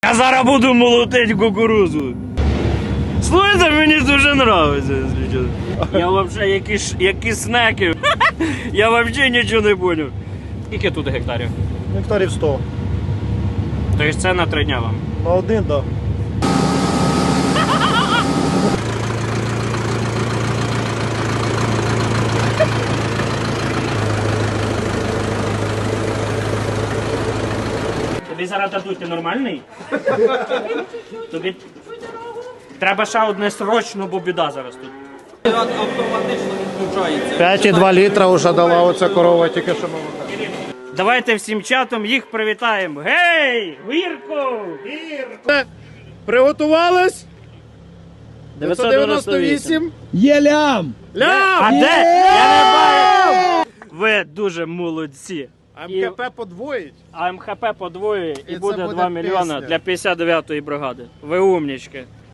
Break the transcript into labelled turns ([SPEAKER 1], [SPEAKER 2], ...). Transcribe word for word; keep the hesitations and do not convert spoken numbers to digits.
[SPEAKER 1] Я зараз буду молотити кукурузу. Слухайте, мені дуже подобається, якщо чесно. Я взагалі якісь, якісь снеки. Я взагалі нічого не зрозумів. Скільки тут гектарів?
[SPEAKER 2] Гектарів сто.
[SPEAKER 1] Тобто це на три дня вам?
[SPEAKER 2] На один, так.
[SPEAKER 1] Тобі зараз дадуть, ти нормальний? Тобі треба ще одне срочно, бо біда зараз тут.
[SPEAKER 3] Автоматично відключається.
[SPEAKER 2] п'ять і два літра вже дала оця корова, тільки що молока.
[SPEAKER 1] Давайте всім чатом їх привітаємо. Гей! Гірко!
[SPEAKER 2] Приготувались?
[SPEAKER 1] дев'ятсот дев'яносто вісім.
[SPEAKER 4] Є лям!
[SPEAKER 2] Лям!
[SPEAKER 1] А де? Я не бачу! Ви дуже молодці.
[SPEAKER 2] МКП подвоїть.
[SPEAKER 1] А МХП подвоює і,
[SPEAKER 2] І це
[SPEAKER 1] буде
[SPEAKER 2] буде
[SPEAKER 1] два мільйони
[SPEAKER 2] пісня.
[SPEAKER 1] для п'ятдесят дев'ятої бригади. Ви умнічки.